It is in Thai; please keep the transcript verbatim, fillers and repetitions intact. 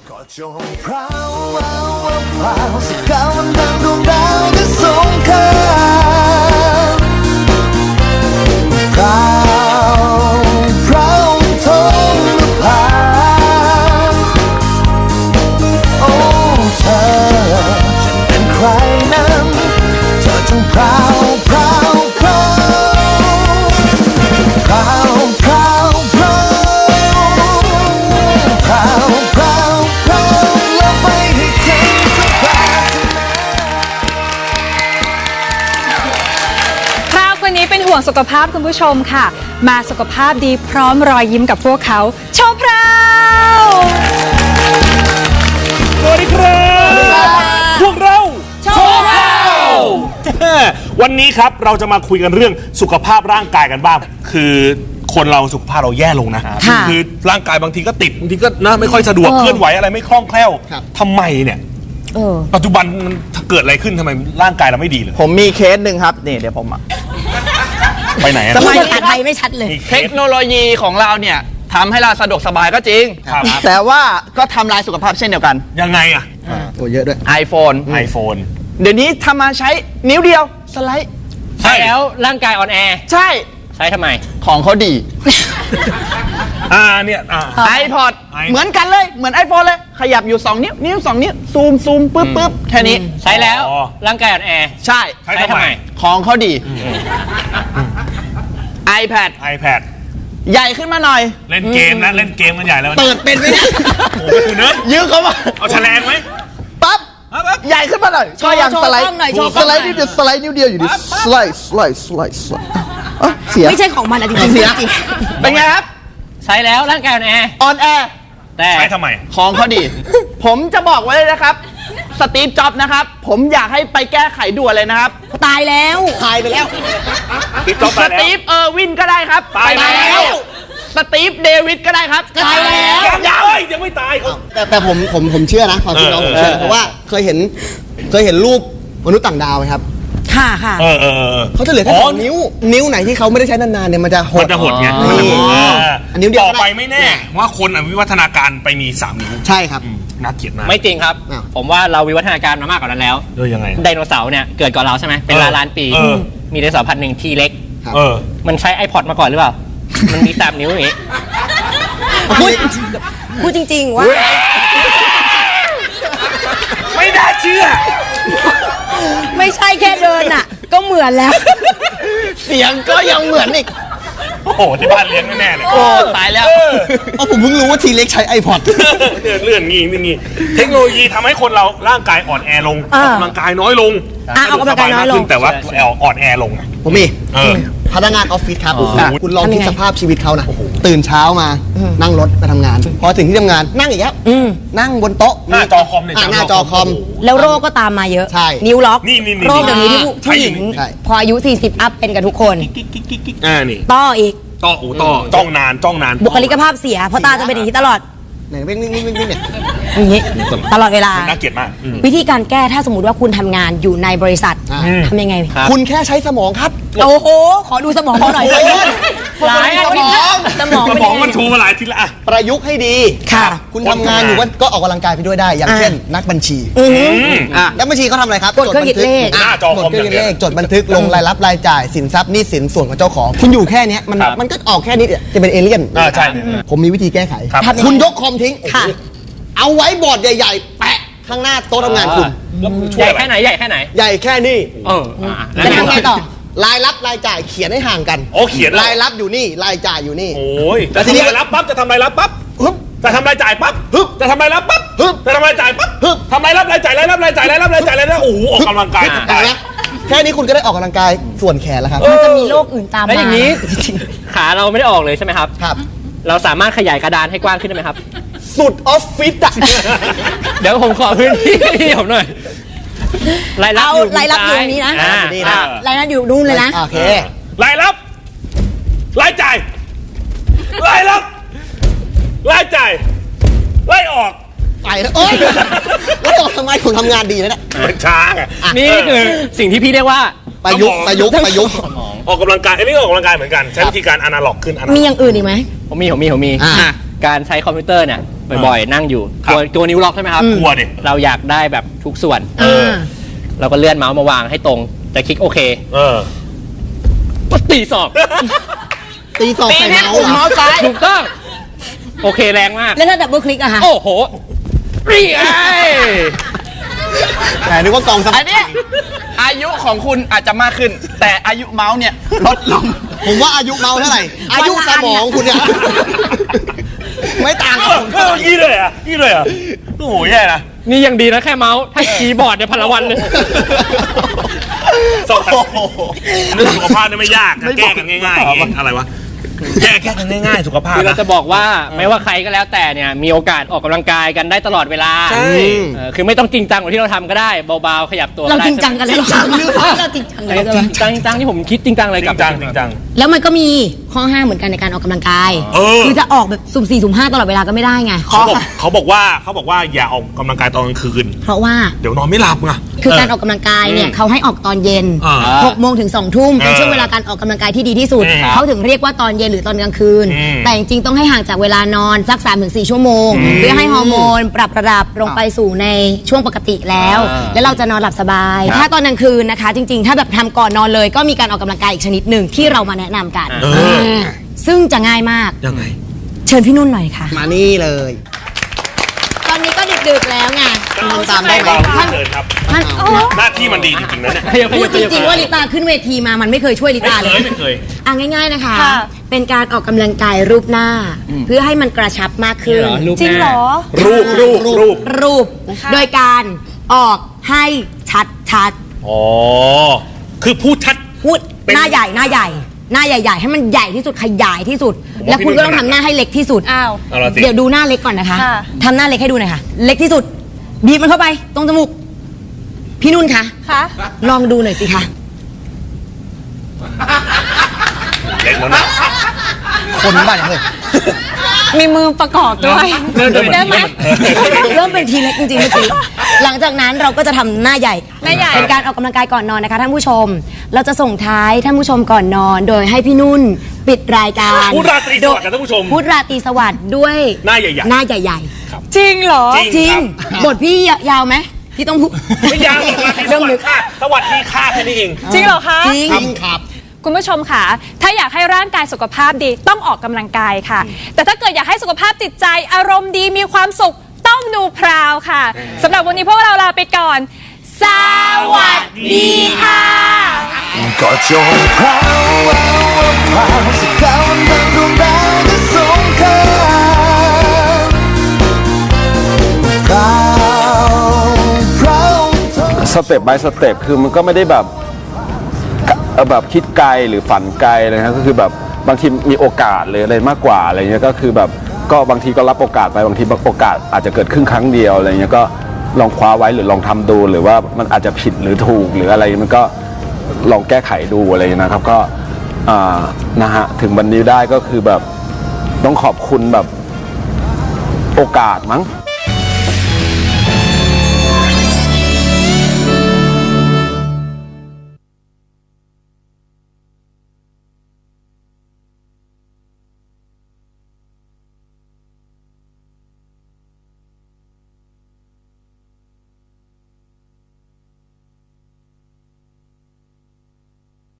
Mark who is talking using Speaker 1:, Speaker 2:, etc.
Speaker 1: ก็จงพราวพราวพราวสักก้าวมันดังดวงดาวที่สงครามพราวพราวทงนภาโอ้เธอฉันเป็นใครนั้นเธอจงพราวพราวพราวพราวพราวพราวพราวพราวพราวแล้วไปให้เธอสักครั้ง
Speaker 2: คราวคนนี้เป็นห่วงสุขภาพคุณผู้ชมค่ะ มาสุขภาพดีพร้อมรอยยิ้มกับพวกเขาโชว์พราว
Speaker 3: สวัสดีครับพวกเราโชว์พราววันนี้ครับเราจะมาคุยกันเรื่องสุขภาพร่างกายกันบ้างคือคนเราสุขภาพเราแย่ลงนะคือร่างกายบางทีก็ติดบางทีก็นะไม่ค่อยสะดวกเคลื่อนไหวอะไรไม่คล่องแคล่วทำไมเนี่ยปัจจุบันมันเกิดอะไรขึ้นทำไมร่างกายเราไม่ดีเลย
Speaker 4: ผมมีเคสหนึ่งครับนี่เดี๋ยวผมอะ
Speaker 3: ไปไหนอะ
Speaker 5: พูดภาษาไทยไม่ชัดเลย
Speaker 4: เทคโนโลยีของเราเนี่ยทำให้เราสะดวกสบายก็จริง
Speaker 3: ครับ
Speaker 4: แต่ว่าก็ทำลายสุขภาพเช่นเดียวกัน
Speaker 3: ยังไงอะ
Speaker 4: โอ้เยอะด้วย iPhone
Speaker 3: iPhone
Speaker 4: เดี๋ยวนี้ทำมาใช้นิ้วเดียวสไลด์
Speaker 3: ใช่
Speaker 6: แล้วร่างกายอ่อนแอ
Speaker 4: ใช่
Speaker 6: ใช้ทำไม
Speaker 4: ของเขาดี
Speaker 3: อ่าเนี่ยอ่า
Speaker 4: iPod
Speaker 3: iPod
Speaker 4: เหมือนกันเลยเหมือน iPhone เลยขยับอยู่สองนิ้วนิ้วสองนิ้วซูมซูมปึ๊บปึ๊บแค่นี้
Speaker 6: ใช้แล้ว
Speaker 3: อ๋อ
Speaker 6: ร่างกายอ่อนแอ
Speaker 4: ใช่
Speaker 3: ใช้ทำไม
Speaker 4: ของเขาดี iPad
Speaker 3: iPad
Speaker 4: ใหญ่ขึ้นมาหน่อย
Speaker 3: เล่นเกมนะเล่นเกมกันใหญ่แล้ว
Speaker 4: เปิดเป็นไหมเนี่ย
Speaker 3: โอ้โหคุณเนิร์ด
Speaker 4: ยืมเขามา
Speaker 3: เอาแฉลงไหม
Speaker 4: ปั๊บ
Speaker 3: ปั๊บปั๊บ
Speaker 4: ใหญ่ขึ้นมาหน่อย
Speaker 5: โชว์
Speaker 4: ก็ยัง
Speaker 5: โชว์
Speaker 4: สไลด์
Speaker 5: กล้องหน่อยโชว์ก
Speaker 4: ส
Speaker 5: ล้องห
Speaker 4: ไล
Speaker 5: น่อย
Speaker 4: ด์นิดเดียวสไลด์นิ้วเดียวอยู่ดิสไลด์สไลด์สไลด์สไลด์อ่ะเสีย
Speaker 5: ไม่ใช่ของมันอะจริงๆ
Speaker 4: เสีย
Speaker 5: จริง
Speaker 4: เป็นไงครับ
Speaker 6: ใช้แล้วร่างกายอ่อนแอ
Speaker 4: ออนแอร์
Speaker 6: แต่
Speaker 3: ใช้ทำไม
Speaker 4: ของเขาดี ผมจะบอกไว้เลยนะครับสตีฟจ็อบส์นะครับ ผมอยากให้ไปแก้ไขด่วนเลยนะครับ
Speaker 5: ๆตายแล้วตายไปแล้ว
Speaker 3: ติดต่อ
Speaker 4: ส
Speaker 3: ไปแล้ว
Speaker 4: ตีฟเออร์วินก็ได้ครับ
Speaker 3: ตายแล้ว
Speaker 4: สตีฟเดวิดก็ได้ครับ
Speaker 5: ตายแล้ว
Speaker 3: ยังยังเฮ้ยยังไม่ตายเขา
Speaker 7: แต่แต่ผมผมผมเชื่อนะความจริงเราผมเชื่อ
Speaker 3: เออเออ
Speaker 7: เพราะว่าเคยเห็นเคยเห็นรูปมนุษย์ต่างดาวไหมครับ
Speaker 5: ค่ะค่ะ
Speaker 3: เออเออเออ
Speaker 7: เขาจะเหลือแค่สองนิ้ว นิ้วไหนที่เขาไม่ได้ใช้นานๆเนี่ยมันจะห
Speaker 3: มั
Speaker 7: ด
Speaker 3: นจะหดไง
Speaker 7: อ๋อ
Speaker 3: มันจะหดเออ
Speaker 7: อันนิ้วเดียว
Speaker 3: ต่อไปไม่แน่ ว่าคนอ่ะวิวัฒนาการไปมีสามนิ้ว
Speaker 7: ใช่ครับ
Speaker 3: อืมน่าเกลียดมาก
Speaker 6: ไม่จริงครับ
Speaker 7: อ้าว
Speaker 6: ผมว่าเราวิวัฒนาการมามากกว่านั้นแล้ว
Speaker 3: ด้วยยังไง
Speaker 6: ไดโนเสาร์เนี่ยเกิดก่อนเราใช่ไหมเป็นล้านล้านปี
Speaker 3: เออ
Speaker 6: มีไดโนเสาร์พันธุ์หนึ่งทีเล็ก
Speaker 7: ครับ
Speaker 3: เออ
Speaker 6: มันใช้ iPod มาก่อนหรือเปล่า มันมีสามนิ้วอย่างงี้
Speaker 5: พูดพูดจริง ๆ ว่า
Speaker 3: ไม่น่าเชื่อ
Speaker 5: ไม่ใช่แค่เดินอ่ะ ก็เหมือนแล้ว
Speaker 4: เสียงก็ยังเหมือนอีก
Speaker 3: โอ้โหที่บ้านเลี้ยงแน่ๆเลย
Speaker 4: โอ้ตายแล้ว
Speaker 3: เออ
Speaker 7: อ๋อผมเพิ่งรู้ว่าทีเล็กใช้ iPod
Speaker 3: เลื่อนเลื่อนงี้นี่งี้เทคโนโลยีทำให้คนเราร่างกายอ่อนแอลงอ
Speaker 5: อ่า
Speaker 3: อกกำลังกายน้อยลง
Speaker 5: อ่ะออกกำลังกายน้อยลง
Speaker 3: สบมขึ้แต่ว่าอ่อนแอลง
Speaker 7: ผมมี
Speaker 3: เออ
Speaker 7: พนักงานออฟฟิศครับ
Speaker 3: อ๋อ
Speaker 7: อ่ะคุณลอง
Speaker 5: ทำยั
Speaker 7: คิด
Speaker 5: งไง
Speaker 7: สภาพชีวิตเขานะตื่นเช้ามานั่งรถไปทำงาน พอถึงที่ทำงานนั่งอีกแล้ว
Speaker 5: อืม
Speaker 7: นั่งบนโต๊ะ
Speaker 3: หน้าจอคอมเนี่ย
Speaker 7: ะหน้าจอคอม
Speaker 5: แล้วโรคก็ตามมาเยอะ
Speaker 7: ใช่
Speaker 5: นิ้วล็อก
Speaker 3: นี่นี่นี่
Speaker 5: โรคเดี๋ยวนี้ที่ผู้
Speaker 3: ใช่
Speaker 5: ผู้หญิง
Speaker 7: ใช่
Speaker 5: พออายุ สี่สิบ อัพเป็นกันทุกคน
Speaker 3: กิ๊กกิ๊กกิ๊กกิ๊กอ่านี่
Speaker 5: ต้ออีก
Speaker 3: ต่ออูต่อจ้องนานจ้องนาน
Speaker 5: บุคลิกภาพเสีย เพราะตาจะเป็นอย่างนี้ตลอด
Speaker 7: ไหนวิ่งวิ่งวิ่งวิ่งวิ่งเนี่ย
Speaker 5: อย่างนี้ ตลอดเวลา
Speaker 3: น่าเกลียดมากอืม
Speaker 5: วิธีการแก้ถ้าสมมติว่าคุณทำงานอยู่ในบริษัท
Speaker 7: อ่า
Speaker 5: ทำยังไง
Speaker 7: คุณแค่ใช้สมองครับ
Speaker 5: โอ้โห ขอดูสมองเขาหน่อย
Speaker 7: โอ้ย
Speaker 5: หลายอาทิตย์ละสมอง
Speaker 3: ส
Speaker 5: เป็น
Speaker 3: ม
Speaker 5: ยั
Speaker 3: อง
Speaker 5: งไง
Speaker 3: มันโชว์มาหลายทีละอ่ะ
Speaker 7: ประยุกต์ให้ดี
Speaker 5: ค่ะ
Speaker 7: คุณทำงานอยู่ว่าก็ออกกำลังกายไปด้วยได้ อย่าง
Speaker 5: อ่า
Speaker 7: เช่น นักบัญชี
Speaker 5: อือหือ
Speaker 3: อืม
Speaker 7: อ่ะนักบัญชีเขาทำอะไรครับ
Speaker 5: กดเครื่องคิดเลข
Speaker 7: จบันทึก
Speaker 3: หน้าจอคอม
Speaker 7: กดเครื่องคิด
Speaker 3: อย่างเดี
Speaker 7: เล
Speaker 3: ยว
Speaker 7: ขจดบันทึกลงรายรับรายจ่ายสินทรัพย์หนี้สินส่วนของเจ้าของ คุณอยู่แค่เนี้ยมัน
Speaker 3: ครับ
Speaker 7: มันก็ออกแค่นี้จะเป็นเอเลี่ยน
Speaker 3: อ่าใช่
Speaker 7: ผมมีวิธีแก้ไข
Speaker 3: ครับ
Speaker 5: ทำยังไง
Speaker 7: คุณยกคอมทิ้ง
Speaker 5: ค่ะ
Speaker 7: เอาไว้บอร์ดใหญ่ๆ แปะข้างหน้าโต๊ะทำงานคุณ
Speaker 3: แล้วมึงช่
Speaker 6: ให
Speaker 3: วย
Speaker 6: ญ่
Speaker 3: อะไร
Speaker 6: แค่ไหนใหญ่แค่ไหน
Speaker 7: ใหญ่แค่นี้
Speaker 6: เอออ่ะแล้ว
Speaker 5: จะทำไงต่อ
Speaker 7: รายรับรายจ่ายเขียนให้ห่างกัน
Speaker 3: โอ้เขียนเหรอ
Speaker 7: รายรับอยู่นี่รายจ่ายอยู่นี่
Speaker 3: โอ้ย
Speaker 7: แล้
Speaker 3: จะ
Speaker 7: วทีนี้
Speaker 3: ทำรายรับปั๊บจะทำรายรับปั๊บ
Speaker 7: ฮึบ
Speaker 3: จะทำรายจ่ายปั๊บ
Speaker 7: ฮึบ
Speaker 3: จะทำรายรับปั๊บ
Speaker 7: ฮึบ
Speaker 3: จะทำรายจ่ายปั๊บ
Speaker 7: ฮึบ
Speaker 3: ทำรายรับรายจ่ายรายรับรายจ่ายรายรับรายจ่ายรายรับโอ้โหออกกำลังกาย
Speaker 7: เห็นไหมแค่นี้คุณก็ได้ออกกำลังกายส่วนแขนแล้วครับ
Speaker 5: มันจะมีโรคอื่นตามมา
Speaker 6: แล้วอย่างนี้ ขาเราไม่ได้ออกเลยใช่ไหมครับ
Speaker 7: ครับ
Speaker 6: เราสามารถขยายกระดานให้กว้างขึ้นได้ไหมครับ
Speaker 7: สุดออฟฟิศอะ
Speaker 6: เดี๋ยวผมขอพื้นที่ให้ผมหน่อยรายรับ
Speaker 5: เอา
Speaker 6: อยู่
Speaker 5: รายรับอยู่ตรงนี้นะ
Speaker 6: อ่า
Speaker 7: นี่นะ
Speaker 5: รายนั้นอยู่นู่นเลยนะ
Speaker 7: โอเค
Speaker 3: รายรับรายจ่ายรายรับรายจ่ายรายออก
Speaker 7: ไปแล้วโอ๊ยแล้วบอกทำไมผมทำงานดีนะเนี่ย
Speaker 3: มันช้าไง
Speaker 6: นี่คือสิ่งที่พี่เรียกว่า
Speaker 7: ประยุกต์ประยุกต์ประยุกต์
Speaker 3: ออกกำลังกายอันนี้ก็ออกกำลังกายเหมือนกันใช้วิธีการอนาล็อกขึ้นอนาล็อก
Speaker 5: มีอย่างอื่นอีกไหม
Speaker 6: ผมมีผมมีผมมี
Speaker 7: อ่า
Speaker 6: อ่ะการใช้คอมพิวเตอร์เนี่ยบ่อยๆ นั่งอยู่
Speaker 3: ครับ
Speaker 6: ตัวตัวนิ้วล็อกใช่ไหมครับ
Speaker 3: กลัวดิ
Speaker 6: เราอยากได้แบบทุกส่วน
Speaker 5: เออ
Speaker 6: เราก็เลื่อนเมาส์มาวางให้ตรงจะคลิกโอเค
Speaker 3: เออ
Speaker 6: ก็ตีศอก
Speaker 7: ตีสอง
Speaker 4: ตี
Speaker 7: ใส่
Speaker 4: ที่
Speaker 7: เมาส์
Speaker 4: ปุ่ม
Speaker 7: เหรอ
Speaker 4: เมาส์ซ้าย
Speaker 6: ถูกต้อง โอเคแรงมาก
Speaker 5: แล้วถ้าดับเบิลคลิกอะคะ
Speaker 6: โอ้โหนี่ไง
Speaker 7: แต่นึกว่ากองส
Speaker 4: อั
Speaker 7: มั
Speaker 4: นนี้อายุของคุณอาจจะมากขึ้น แต่อายุเมาส์เนี่ยลดลง
Speaker 7: ผมว่าอายุเมาส์เท่าไหร่ อายุสมองคุณเนี่ย ไม่ต่าง
Speaker 3: เอ
Speaker 7: กับ
Speaker 3: อ
Speaker 7: ผม
Speaker 3: เออยี่เลยอ่ะยี่เลยอ่ะโอ้โหแย่นะ
Speaker 6: นี่ยังดีนะแค่เมาส์ ถ้าคีย์บอร์ดเนี่ยพันละวันเลย
Speaker 3: สองเรื่องสุขภาพนี่ไม่ยากแก้กันง่ายๆเองอะไรวะแก้แก้กันง่ายๆสุขภาพ
Speaker 6: คือเรา
Speaker 3: นะ
Speaker 6: จะบอกว่าไม่ว่าใครก็แล้วแต่เนี่ยมีโอกาสออกกำลังกายกันได้ตลอดเวลา
Speaker 3: ใช่
Speaker 6: เออคือไม่ต้องจริงจังกว่าที่เราทำก็ได้เบาๆขยับตัว
Speaker 5: เรา
Speaker 6: ได้
Speaker 5: จริงจังกันเลยเหรอเราจริงจังเลยใช่ไหม
Speaker 6: จริงจังจริงจังที่ผมคิดจริงจังเลย
Speaker 3: จริ
Speaker 6: กับ
Speaker 3: งจังจริงจัง
Speaker 5: แล้วมันก็มีข้อห้ามเหมือนกันในการออกกำลังกาย
Speaker 3: เออ
Speaker 5: คือจะออกแบบสุ่มสี่สุ่มห้าตลอดเวลาก็ไม่ได้ไง
Speaker 3: เขาบอกเขาบอกว่าเขาบอกว่าอย่าออกกำลังกายตอนกลางคืน
Speaker 5: เพราะว่า
Speaker 3: เดี๋ยวนอนไม่หลับไง
Speaker 5: คือการออกกำลังกายเนี่ยเขาให้ออกตอนเย็น
Speaker 3: อ่า
Speaker 5: หกโมงถึงสองทุ่มเป็น
Speaker 3: เออ
Speaker 5: ช่วงเวลาการออกกำลังกายที่ดีที่สุด
Speaker 3: อืม
Speaker 5: เขาถึงเรียกว่าตอนเย็นหรือตอนกลางคืน
Speaker 3: อืม
Speaker 5: แต่จริงๆต้องให้ห่างจากเวลานอนสัก สามถึงสี่ ชั่วโมง เพื่อให้ฮอร์โมนปรับระดับลงไปสู่ในช่วงปกติแล้ว แล้วเราจะนอนหลับสบาย ถ้าตอนกลางคืนนะคะ จริงๆ ถ้าแบบทำก่อนนอนเลยก็มีการออกกำลังกายอีกชนิดหนึ่งที่เรามาแนะนำกัน
Speaker 3: เออ
Speaker 5: ซึ่งจะง่ายมาก
Speaker 3: ยังไง
Speaker 5: เชิญพี่นุ่นหน่อยค่ะ
Speaker 7: มานี่เลย
Speaker 5: ตอนนี้ก็ดึกๆแล้วไง
Speaker 7: ทำตามได้ไหม
Speaker 3: เราเชิญครับ
Speaker 5: ท่านโอ้
Speaker 3: หน้าที่มันดีจริงๆนะเนี่ย
Speaker 6: ขยับข
Speaker 5: พู
Speaker 6: ยั
Speaker 5: ด
Speaker 6: บ
Speaker 5: จ
Speaker 6: ขยับ
Speaker 5: ริงๆว่าลิตาขึ้นเวทีมามันไม่เคยช่วยลิ
Speaker 3: ไม่
Speaker 5: ตา
Speaker 3: เค
Speaker 5: เลย
Speaker 3: ยไม่เคย
Speaker 5: อ่ะง่ายๆนะคะ
Speaker 2: ค่ะ
Speaker 5: เป็นการออกกำลังกายรูปหน้า เพื่อให้มันกระชับมากขึ้น
Speaker 6: รูป
Speaker 2: จริง
Speaker 6: น้า
Speaker 2: เหรอ
Speaker 3: รูปรูปรูป
Speaker 5: รูป
Speaker 2: ค่ะ
Speaker 5: โดยการออกให้ชัดชัด
Speaker 3: อ๋อคือพูดชัด
Speaker 5: ๆพูด
Speaker 3: เป็น
Speaker 5: หน้าใหญ่หน้าใหญ่ หน้าใหญ่ ๆ ให้มันใหญ่ที่สุดขยายที่สุด
Speaker 3: ผมว่า
Speaker 5: แล้วคุณก็
Speaker 3: พี่นุ่น
Speaker 5: ต้องทำหน้าให้เล็กที่สุด
Speaker 2: อ้าว
Speaker 3: เอาละสิ
Speaker 5: เดี๋ยวดูหน้าเล็กก่อนนะคะ
Speaker 2: ค่ะ
Speaker 5: ทำหน้าเล็กให้ดูหน่อยค่ะ เล็กที่สุด บีบมันเข้าไปตรงจมูกพี่นุ่นคะ
Speaker 2: คะ
Speaker 5: ลองดูหน่อยสิคะ
Speaker 3: เล็กแล้วนะ
Speaker 7: คนบ้านเลย
Speaker 2: มีมือประกอบด้วย
Speaker 3: เริ่มเริ่ม
Speaker 2: ได้ไหม
Speaker 5: เริ่มเป็นทีเล็กจริงๆเมื่อกี้หลังจากนั้นเราก็จะทำหน้าใหญ่
Speaker 2: หน้าใหญ่
Speaker 5: เป็นการออกกำลังกายก่อนนอนนะคะท่านผู้ชม เราจะส่งท้ายท่านผู้ชมก่อนนอน โดยให้พี่นุ่นปิดรายการ
Speaker 3: พูดราตรีสวัสดิ์กับท่านผู้ชม
Speaker 5: พูดราตรีสวัสดิ์ด้วย
Speaker 3: หน้าใหญ่ๆ
Speaker 5: หน้าใหญ่
Speaker 2: จริงเหรอ
Speaker 3: จริง
Speaker 5: ๆ จริง
Speaker 3: ครับ
Speaker 5: บทพี่ยาวไหมที่ต้องพูด
Speaker 3: ไม่ยาวหรอกราตรีสวัสดิ์ค่ะสวัสดีค่ะแค่นี้เอง
Speaker 2: จริงเหรอคะ
Speaker 5: จริง
Speaker 7: ครับ
Speaker 2: คุณผู้ชมค่ะ ถ้าอยากให้ร่างกายสุขภาพดีต้องออกกำลังกายค่ะ แต่ถ้าเกิดอยากให้สุขภาพจิตใจอารมณ์ดีมีความสุขต้องดูพราวค่ะสำหรับวันนี้พวกเราลาไปก่อน สวัสดีค่ะ
Speaker 1: ก็จงพราวพราวพราวสักก้าววันดังดวงดาวจะสงครามพราวพราว
Speaker 8: สเต็ป by สเต็ปคือมันก็ไม่ได้แบบเอ่อแบบคิดไกลหรือฝันไกลเลยนะก็คือแบบบางทีมีโอกาสหรืออะไรมากกว่าอะไรเงี้ยก็คือแบบก็บางทีก็รับโอกาสไปบางทีโอกาสอาจจะเกิดขึ้นครั้งเดียวอะไรเงี้ยก็ลองคว้าไว้หรือลองทำดูหรือว่ามันอาจจะผิดหรือถูกหรืออะไรมันก็ลองแก้ไขดูอะไรเงี้ยนะครับก็อ่านะฮะถึงวันนี้ได้ก็คือแบบต้องขอบคุณแบบโอกาสมั้ง